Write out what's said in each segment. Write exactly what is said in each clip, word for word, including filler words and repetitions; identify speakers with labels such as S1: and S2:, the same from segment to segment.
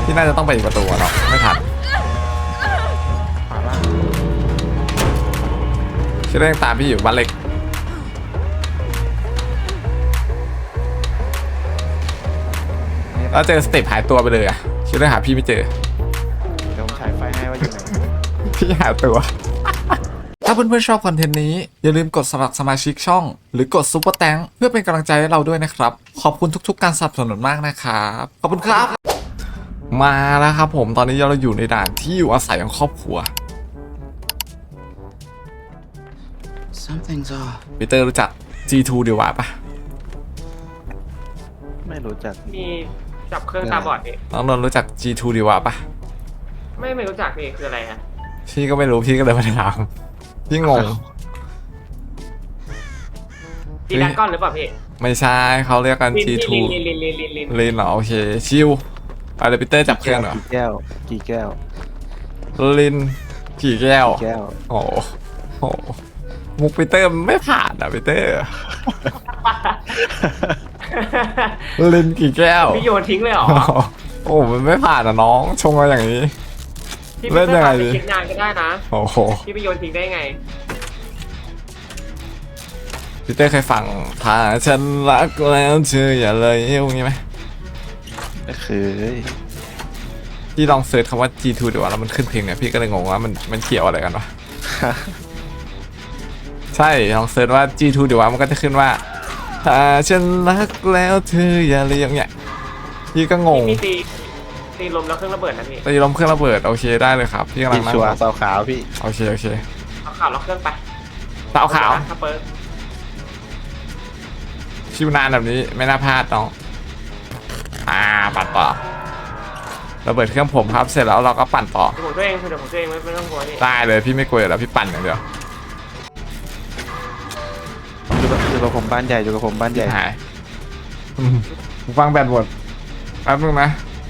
S1: ที่น่าจะต้องไปอีกประตูเนาะไม่ทันชื่อเรื่องตามพี่อยู่บ้านเล็กแล้วเจอสเต็ปหายตัวไปเลยอะชื่อเรื่องหาพี่ไม่เจอ
S2: เดี๋ยวผมฉายไฟให้ว่าอยู่ไหน
S1: พี่หาตัวถ้าเพื่อนๆชอบคอนเทนต์นี้อย่าลืมกดสมัครสมาชิกช่องหรือกดซุปเปอร์แตงเพื่อเป็นกำลังใจให้เราด้วยนะครับขอบคุณทุกๆการสนับสนุนมากนะครับขอบคุณครับมาแล้วครับผมตอนนี้เราอยู่ในด่านที่อยู่อาศัยของครอบครัว
S3: Something's off
S1: ปีเตอร์รู้จัก จี ทู เดียววะปะ
S2: ไม่รู้จัก
S4: มีจับเครื่องตาบอดนี่
S1: น้องนนท์รู้จัก จี ทู เดียววะปะ
S4: ไม่ไม่รู้จักนี่คืออะไรฮะ
S1: พี่ก็ไม่รู้พี่ก็เลยมาถามพี่งง
S4: ตีดักก้อนหรือเปล่าพี่
S1: ไม่ใช่เขาเรียกกัน จี ทู
S4: ลินลินลินลินลิน
S1: ลินเหรอโอเคชิวไปเลยปีเตอร์จับเครื่องเหรอ
S2: กี่แก้วกี่แก้ว
S1: ลินกี่แก้ว
S2: แก้ว
S1: โอ้โหมุกปีเตอร์ไม่ผ่านอ่ะปีเตอร์ลินกี่แก้ว
S4: พี่โยนทิ้งเลยเหรอ
S1: โอ้มันไม่ผ่านอ่ะน้องชงมาอย่างนี้
S4: พี่
S1: เล่
S4: ไม่
S1: นยังไง
S4: ไป
S1: ดี
S4: คิดงานก็ได้นะ
S1: โอ้โห
S4: พี่ไปโยนทิ้งได้ไง
S1: ปีเตอร์เคยฟังถ้าฉันรักแล้วเธออย่าเลยเอ้ยงี้ไหม
S2: ก็คือ
S1: พี่ลองเซิร์ชคำว่า จี ทู เดี๋ยวแล้วมันขึ้นเพลงเนี่ยพี่ก็เลยงงว่ามันมันเกี่ยวอะไรกันวะ ใช่ลองเซิร์ชว่า จี ทู เดี๋ยวมันก็จะขึ้นว่าถ้าฉันรักแล้วเธออย่าเลยอย่างเงี้ยพี่ก็งง
S4: พี่ตีตีลมแล้วเครื่องระเบิดนะพี่
S1: ตีลมเครื่องระเบิดโอเคได้เลยครับพี่กำลั
S2: พี่
S1: งนั่ง
S2: ชัวร์สาวขาวพี่
S1: โอเคโอเค
S4: เอาข่าวล็อกเครื่องไป
S1: สาวขาว
S4: ถ้าเปิด
S1: ชิวนานแบบนี้ไม่น่าพลาดน้องอ่าปั่นต่อระเบิดเครื่องผมครับเสร็จแล้วเราก็ปั่นต่อ
S4: เดี๋ยวผมตัวเองเดี๋ยวผมตัวเองไม่ไม่ต้องกลัวนี่
S1: ได้เลยพี่ไม่กลัวอยู่แล้วพี่ปั่นอย่างเดียว
S2: อยู่กับอยู่กับผมบ้านใหญ่อยู่กับผมบ้านใหญ่
S1: หายอืมหูฟังแบตหมดแป๊บนึงนะ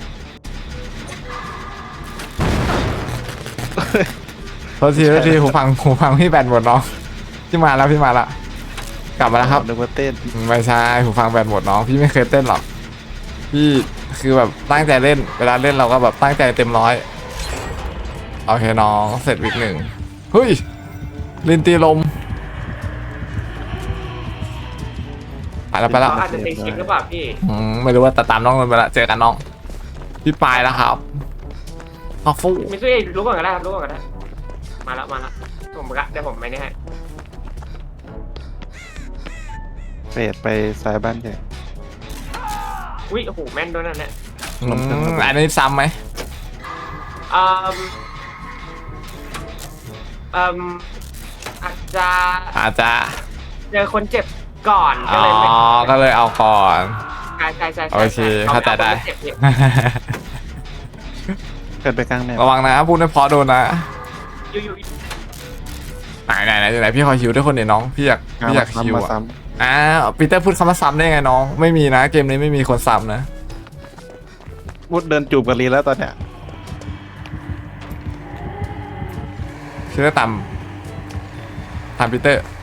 S1: โทษทีโทษทีหูฟังหูฟังพี่แบตหมดน้องพี่มาแล้วพี่มาละกลับมาแล้วครับ
S2: นึกว่าเต้น
S1: ไม่ใช่หูฟังแบตหมดน้องพี่ไม่เคยเต้นหรอกพี่คือแบบตั้งใจเล่นเวลาเล่นเราก็แบบตั้งใจเต็มร้อยโอเคน้องเสร็จวิกหนึ่งเฮ้ยลินตีลมไปแล้วไปแล้ว
S4: เขาอาจจะตีคลิปหรือเปล่าพี่
S1: อืมไม่รู้ว่าแต่ตามน้องนนท์ไปละเจอกันน้องพี่ปลายแล้วครับออกฟู
S4: มิซุเอะรู้ก่อนก็ได้ครับรู้ก่อนก็ได้มาแล้วมาแล้วผมกะเดี๋ยวผมไม่ได้ให้
S2: เฟดไปซ้ายบ้านใหญ่
S4: อุ้ยโอ้โหแม่นด้วยนั่นแหละ
S1: อืมอันนี้ซ้ำไหม
S4: อืมอืมอาจจะ
S1: อาจจะ
S4: เจอคนเจ็บก่อน
S1: อ๋
S4: ก็
S1: อ
S4: เลยไม่
S1: ก็เลยเอาก่อน
S4: ใช่ใช่ใช่
S1: โอเคเข้าใจได้
S4: เจ็บเนี่ย
S2: เกิดไปกลางแนว
S1: ระวังนะพูดไม่เพอโดนนะ
S4: อยู่อยู่
S1: ไหนไหนไหนไหนพี่ขอคิวด้วยคนเดียวน้องพี่อยากพี่อยากคิว
S2: มา
S1: อ่ะ
S2: ซ้
S1: อ่าปีเตอร์พูดคำว่าซ้ำได้ไงน้องไม่มีนะเกมนี้ไม่มีคนซ้ำนะ
S2: ำวุดเดินจูบกับลีแล้วตอนเนี้ย
S1: ชื่อตำตำปีเตอร์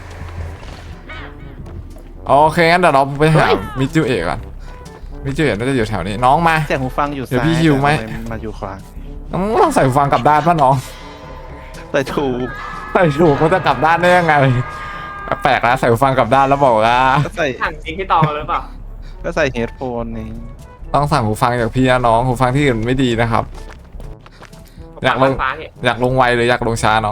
S1: โอเคงั้นเดี๋ยวเราไปหามิจูเอะก่อนมิจูเอะน่าจะอยู่แถวนี้น้องมา
S2: เสียงหูฟังอยู่
S1: เดี๋ยว
S2: ซ้าย
S1: พี่หิวไหม
S2: แต่ทำมาอยู่ขวา
S1: น้องต้องใส่หูฟังกลับด้านป่ะน้อง
S2: แต่ถูก
S1: ใส่ถูกมันจะกลับด้านได้ยังไงแปลกนะใส่หูฟังกลับด้านแล้วบอกว่า
S2: ก็ใส่
S4: ห่างจริงที่ตองหรือเปล่า
S2: ก็ใส่เฮดโฟนนี่
S1: ต้องสั่งหูฟังจากพี่นะน้องหูฟังที่อื่นไม่ดีนะครับ อยากลง
S4: ฟ้าเนี่ย
S1: อยากลงไวหรืออยากลงช้าน้อง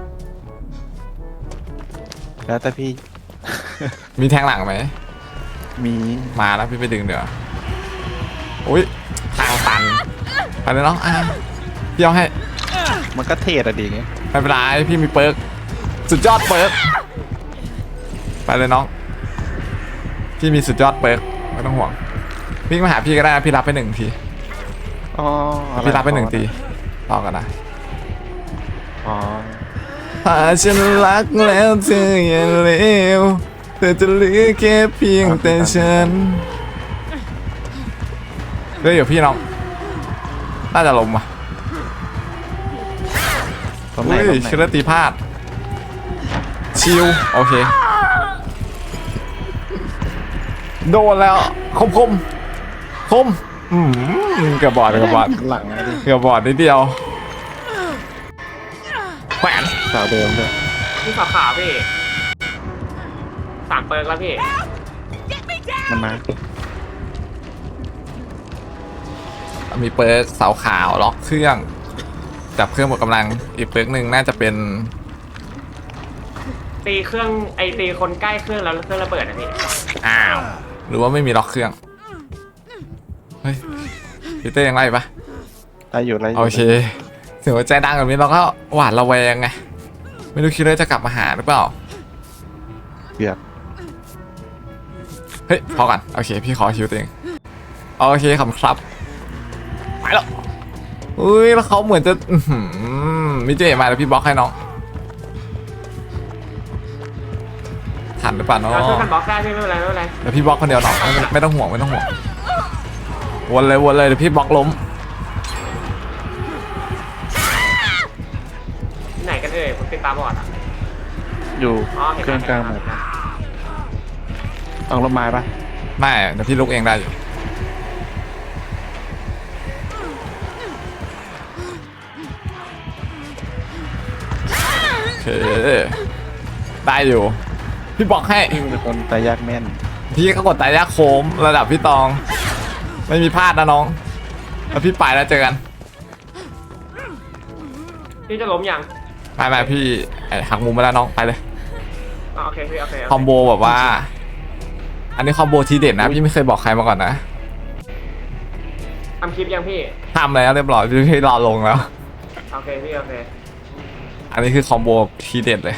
S2: แล้วแต่พี่
S1: มีแทงหลังไหม
S2: มี
S1: มาแล้วพี่ไปดึงเดี๋ยวอุ้ยทางตันไปเลยน้องอ่ะพี่เอาให้
S2: มันก็เทรดอะดีไง
S1: ไม่เป็นไรพี่มีเปิร์กสุดยอดเปิร์กไปเลยน้องพี่มีสุดยอดเปิร์กไม่ต้องห่วงวิ่งมาหาพี่ก็ได้นะพี่รับไปหนึ่งที
S2: อ๋ออะ
S1: พี่รับไปหนึ่งทีต่อกันนะ
S2: อ๋อ
S1: ถ้าฉันรักแล้วเธออย่าเลวเธอจะเหลือแค่เพียงแต่ฉันเฮ้ยเดี๋ยวพี่น้องน่าจะลมว่ะ
S2: ตรงไหน
S1: เฮ้ย
S2: ตรงไหน
S1: ชิลเลอร์ตีพลาดชิวโอเคโดนแล้วคมคมคมอืมเกือบบอดเกือบบอด
S2: หลังอะดิ
S1: เกือบบอดนิดเดียวแขวน
S2: สาวเดิมด้วย
S4: พี่ขาวขาวพี่สามเปิร์กแล้วพี่
S2: มันมา
S1: มีเปิร์กเสาขาวล็อกเครื่องจับเครื่องหมดกำลังอีกเปิร์กหนึ่งน่าจะเป็น
S4: ตีเครื่องไอตีคนใกล้เครื่องแล้วเครื่องระเบิดนะพี่
S1: อ้าวหรือว่าไม่มีล็อกเครื่องเฮ้ยพีเตอร์ยังไงปะ
S2: ได้อยู่ได้อยู่
S1: โอเคถึงว่าใจดังแบบนี้เราก็หวาดระแวงไงไม่รู้คิดเลยจะกลับมาหาหรือเปล่า
S2: เกือบ
S1: เฮ้ยพอก่อนโอเคพี่ขอคิวตัวเองโอเคขอบคุณครับไปแล้วอุ้ยแล้วเขาเหมือนจะอื้อหือมิเจมาแล้วพี่บล็อกให้น้องทันหรือเปล่าน้อง
S4: เราช่วยกันบล็อกได้พี่ไม่เป็นไรไม่เป็นไร
S1: เดี๋ยวพี่บล็อกคนเดียวน้องไม่ไม่ต้องห่วงไม่ต้องห่วงวนเลยวนเลยเดี๋ยวพี่บล็อกล้ม
S4: ที่ไหนกันเอ่ยผมติดตาบอดอ่ะ
S2: อยู่
S4: อ๋อเห็น
S2: เครื่องกลางหมดต้องรถไม้ปะ
S1: ไม่เดี๋ยวพี่ลุกเองได้อยู่โอเคได้อยู่พี่บล็อกให้
S2: พี่เป็นคนตายยากแม่น
S1: พี่ก็กดตายยากโคมระดับพี่ตอง ไม่มีพลาดนะน้องแล้วพี่ไปแล้วเจอกัน
S4: พี่จะล้มยัง
S1: ไม่ไม่พี่ไอ้หักมุมมาแล้วน้องไปเลย
S4: อ๋อโอเคพี่โอเค
S1: คอมโบแบบว่า อันนี้คอมโบทีเด็ดนะพี่ไม่เคยบอกใครมาก่อนนะ
S4: ทำคลิปยังพี่
S1: ทำแล้วเรียบร้อยพี่พี่รอลงแล้ว
S4: โอเคพี่โอเค
S1: อันนี้คือคอมโบทีเด็ดเลย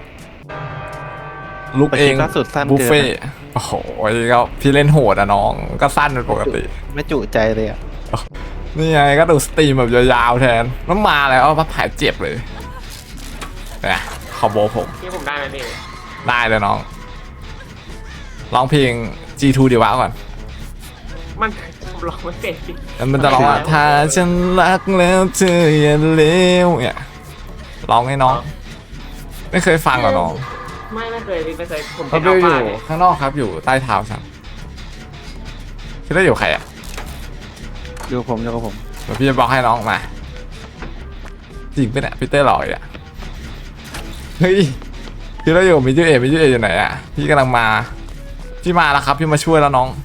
S1: ลุก
S2: แต่
S1: เอ
S2: คลิ
S1: ง
S2: ปล่าสุดสั้น
S1: บุฟ
S2: เกิน
S1: เฟ่ต์โอ้โหก็พี่เล่นโหดอะน้องก็สั้นเป็นปกติ
S2: ไม่จุใจเลยอ่ะ
S1: นี่ไงก็ดูสตรีมแบบยาวๆแทนน้ำมาแล้วมาผายเจ็บเลยเนี่ยคอมโบผม
S4: พี่ผมได้ไหมพี่
S1: ได้เลยน้องร้องเพลง จี ทู ดีวะก่อน
S4: มันผมร้องไม่เป็นพี่
S1: แล้วมันจะร้องว่าถ้าฉันรักแล้วเธออย่าเลวเนี่ยร้องให้น้อง ไม่เคยฟังเหรอน้อง
S4: ไม่ไม่เคยพี่ไม่เคยผม
S1: เขา
S4: เป็น
S1: ไป
S4: อัล
S1: อยู่
S4: ฟาเนี่ย
S1: ข้างนอกครับอยู่ใต้เท้าฉันคิดได้อยู่ใครอ่ะ
S2: อยู่กับผมอยู่กับผม
S1: เดี๋ยวพี่จะบอกให้น้องมาจริงปะเนี่ยพีเตอร์หล่ออีกอ่ะเฮ้ยคิดได้อยู่มิจูเอมิจูเออยู่ไหนอ่ะพี่กำลังมาพี่มาแล้วครับพี่มาช่วยแล้วน้อง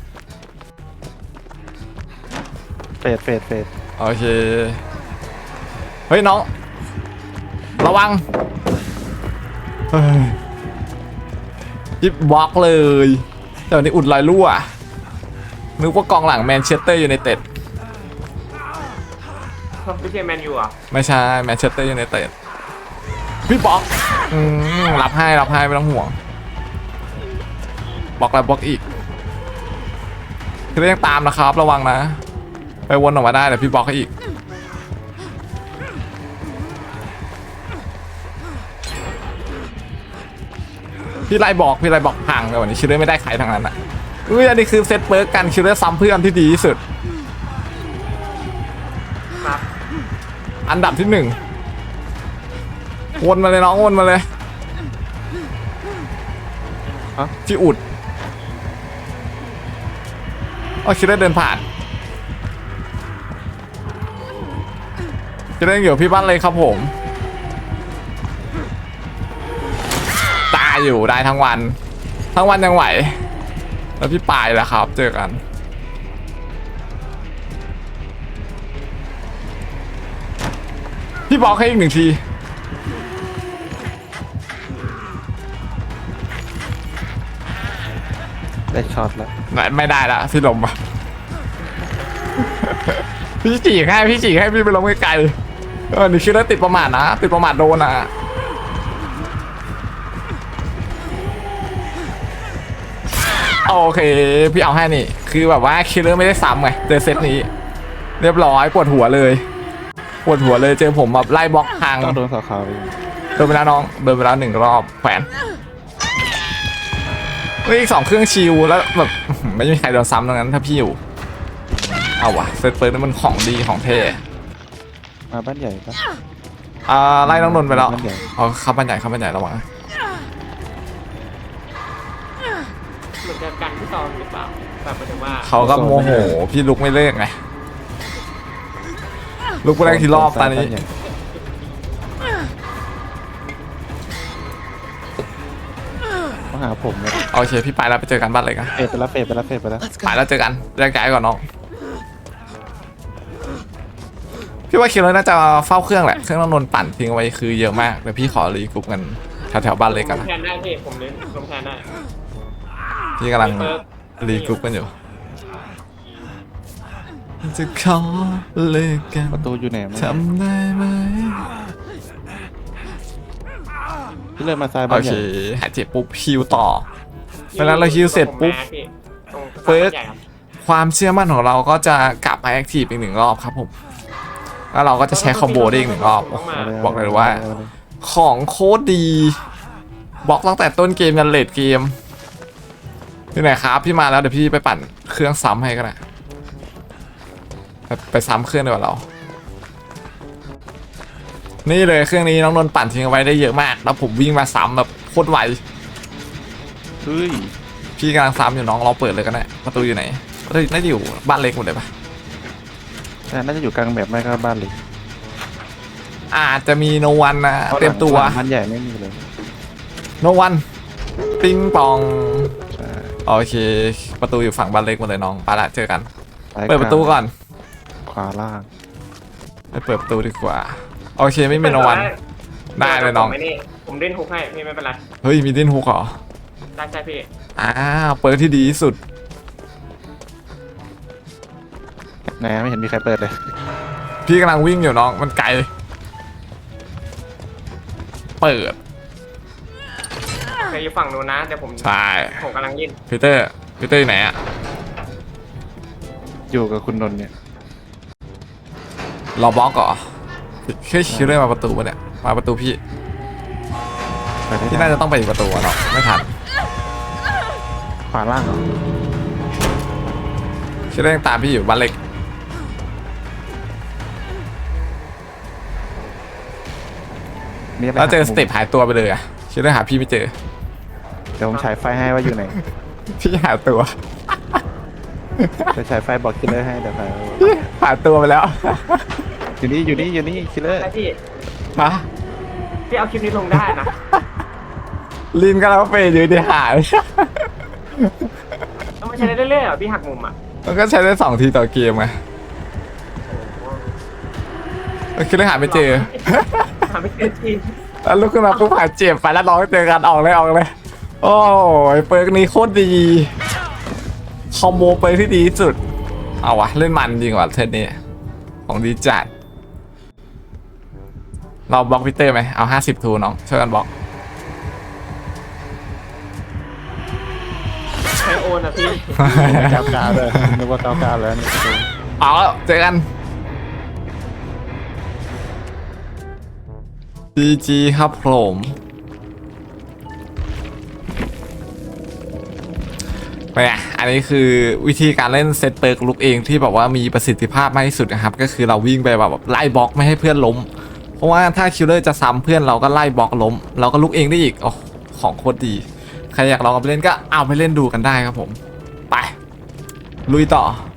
S2: เฟดเฟดเฟด
S1: โอเคเฮ้ยน้องระวังเฮ้ยยิบบล็อกเลยแต่วันนี้อุดรอยรั่วนึกว่ากองหลังแมนเชสเตอร์ยูไนเต็ด
S4: พี่เจแมนยูอ่ะ
S1: ไม่ใช่แมนเชสเตอร์ยูไนเต็ดพี่บล็อกอืมรับให้รับให้ไม่ต้องห่วงบล็อกแล้วบล็อกอีกคือยังตามนะครับระวังนะไปวนออกมาได้เดี๋ยวพี่บล็อกให้อีกพี่ไล่บอกพี่ไล่บอกพังแต่วันนี้คิดเลยไม่ได้ใครทางนั้นอ่ะอุ้ยอันนี้คือเซตเปิร์กกันคิดเลยซ้ำเพื่อนที่ดีที่สุด
S4: ครับ
S1: อันดับที่หนึ่งวนมาเลยน้องวนมาเลยพี่อุดอ๋อคิดได้เดินผ่านคิดได้อยู่พี่บ้านเลยครับผมตายอยู่ได้ทั้งวันทั้งวันยังไหวแล้วพี่ปายแล้วครับเจอกันพี่บอกให้อีกหนึ่งที
S2: ได้ช็อตแล้ว
S1: ไม่ไม่ได้ละพี่ลมอ่ะ พี่จีกให้พี่จีกให้พี่ไปลงไกลๆเออนี่คิดว่าติดประมาทนะติดประมาทโดนอ่ะโอเคพี่เอาให้นี่คือแบบว่าคิลเลอร์ไม่ได้ซ้ำไงเจอเซตนี้ เรียบร้อยปวดหัวเลยปวดหัวเลยเจอผมแบบไล่บล็อกทาง
S2: ต้องโดนสาวขาวอีก
S1: เดินไปแล้วน้องเดินไปแล้วหนึ่งรอบแขวนเฮ้ยอีกสองเครื่องชิลแล้วแบบไม่มีใครโดนซ้ำตรงนั้นถ้าพี่อยู่เอาวะเซตเปิร์นั่นมันของดีของเท่
S2: มาบ้านใหญ่ปะ
S1: อ่าไล่น้องนนท์ไปแล้ว
S2: บ้านใหญ่
S1: เอาเข้าบ้านใหญ่เข้าบ้านใหญ่ระวังนะ
S4: เหมือนจะกันพี่ตองหรือเปล่าแบบหมายถึงว่า
S1: เขาก็โมโหพี่ลุกไม่เลิกไงลุกไปแรกทีรอบตอนนี้
S2: มาหาผมเลย
S1: โอเคพี่ไปแล้วไปเจอกันบ้านเลยกัน
S2: เฟดไปแล้วเฟดไปแล้วเฟดไปแล้ว
S1: ไปแล้วเจอกันแยกย้ายก่อนน้องพี่ว่าคิดเลยน่าจะเฝ้าเครื่องแหละเครื่องน้องนนท์ปั่นทิ้งเอาไว้คือเยอะมากเดี๋ยวพี่ขอรีกรุ๊ปกันแถวๆบ้านเลยกัน
S4: ลงแทนได้พี่ผมเล่นลงแทนได้
S1: พี่กำลังรีกรุ๊ปกันอยู่จะขอเลิกกัน
S2: ประตูอยู่ไหนมั้ง
S1: ทำได้ไหม
S2: พี่เลยมาซ้าย
S1: โอ
S2: บ้าน
S1: เค
S2: ใหญ่
S1: หายเจ็บปุ๊บฮิวต่อเวลาเราฮิวเสร็จปุ๊บ
S4: ตรง
S1: เฟิร์ส
S4: ใหญ่ครับ
S1: ความเชื่อมั่นของเราก็จะกลับมาแอคทีฟอีกหนึ่งรอบครับผมแล้วเราก็จะใช้คอมโบได้อีกหนึ่งรอบ
S4: ต้องมา
S1: บอกเลยว่า ของโคตรดีบล็อกตั้งแต่ต้นเกมยันเลดเกมพี่ไหนครับพี่มาแล้วเดี๋ยวพี่ไปปั่นเครื่องซ้ำให้ก็ได้ไปไปซ้ำเครื่องดีกว่าเรา นี่เลยเครื่องนี้น้องนนท์ปั่นทิ้งเอาไว้ได้เยอะมากแล้วผมวิ่งมาซ้ำแบบโคตรไว
S2: เฮ้ย
S1: พี่กำลังซ้ำอยู่น้องเราเปิดเลยก็ได้ประตูอยู่ไหนประตูน่าจะอยู่บ้านเล็กหมดเลยปะ
S2: แต่น่าจะอยู่กลางแบบไม่ก็บ้านเล็ก
S1: อาจจะมีโนวันนะเตรียมตัว
S2: บ้านใหญ่ไม่มีเลย
S1: โนวันปิงปอง
S2: ใช่
S1: โอเค ประตูอยู่ฝั่งบ้านเล็กหมดเลยน้องไปละเจอกัน
S2: ซ้าย
S1: เปิดประตูก่อน
S2: ขวาล่าง
S1: ไปเปิดประตูดีกว่าโอเคไม่มีโนวัน ได้เลยน้อง
S4: ผมไม่นี่ผมเล่นฮุกให้พี่ไม่เป็นไร
S1: เฮ้ยมีดิ้นฮุกเหรอ
S4: ได้ใช่พี่
S1: อ้าวเปิดที่ดีที่สุด
S2: ไหนไม่เห็นมีใครเปิดเลย
S1: พี่กำลังวิ่งอยู่น้องมันไกลเปิด
S4: ใครอยู่ฝั่งนู้นนะเดี๋ยวผม
S1: ใช่
S4: ผมกำลังยิน
S1: พีเตอร์พีเตอร์อยู่ไหนอะ
S2: อยู่กับคุณนนท์เนี่ย
S1: รอบล็อกเหรอแค่คิดเรื่องมาประตูปะเนี่ยมาประตูพี่
S2: ไปได้
S1: พี่น่าจะต้องไปอีกประตูอะเนาะไม่ทัน
S2: ขวาล่างเหรอ
S1: คิดเรื่องตามพี่อยู่บ้านเล็ก
S2: มีอะไร
S1: แล้วเจอ
S2: หัก
S1: ส
S2: มุม
S1: เต็ปหายตัวไปเลยอะคิดเรื่องหาพี่ไม่เจอ
S2: เดี๋ยวผมฉายไฟให้ว่าอยู่ไหน
S1: พี่หาตัว
S2: เดี๋ยวฉายไฟบอกคิลเลอร์ให้เดี๋ยวไป
S1: พี่หาตัวไปแล้ว
S2: อยู่นี่อยู่นี่อยู่นี่คิลเลอร์
S4: ใช่พี่
S1: ฮะ
S4: พี่เอาคลิปนี้ลงได้นะ
S1: ลินก็แล้วเฟยอยู่ดีหาย
S4: ต้องมาใช้ได้เรื่อยๆเหรอพี่หักมุมอ่ะ
S1: มันก็ใช้ได้สองทีต่อเกมไงคิดเรื่องหาไม่เจอ
S4: หาไม่เจอที
S1: แล้วลุกขึ้นมาปุ๊บหายเจ็บไปแล้วร้องเจอกันออกเลยออกเลย โอ้ยเปิร์กนี้โคตรดีคอมโบเปิร์กที่ดีที่สุดเอาวะเล่นมันจริงว่ะเทนนี้ของดีจัดเราบล็อกพีเตอร์ไหมเอาห้าสิบทูน้องช่วยกันบล็อก
S4: ใช้โอนอ่ะพี่
S2: กาวกาเลยนึกว่ากาวกาแล้วนี่
S1: เอาแล้วเจอกัน จี จี ครับผมเนี่ยอันนี้คือวิธีการเล่นเซตเปิร์กลุกเองที่แบบว่ามีประสิทธิภาพมากที่สุดนะครับก็คือเราวิ่งไปแบบไล่บล็อกไม่ให้เพื่อนล้มเพราะว่าถ้าคิลเลอร์จะซ้ำเพื่อนเราก็ไล่บล็อกล้มเราก็ลุกเองได้อีกโอ้ของโคตรดีใครอยากลองเอาไปเล่นก็เอาไปเล่นดูกันได้ครับผมไปลุยต่อ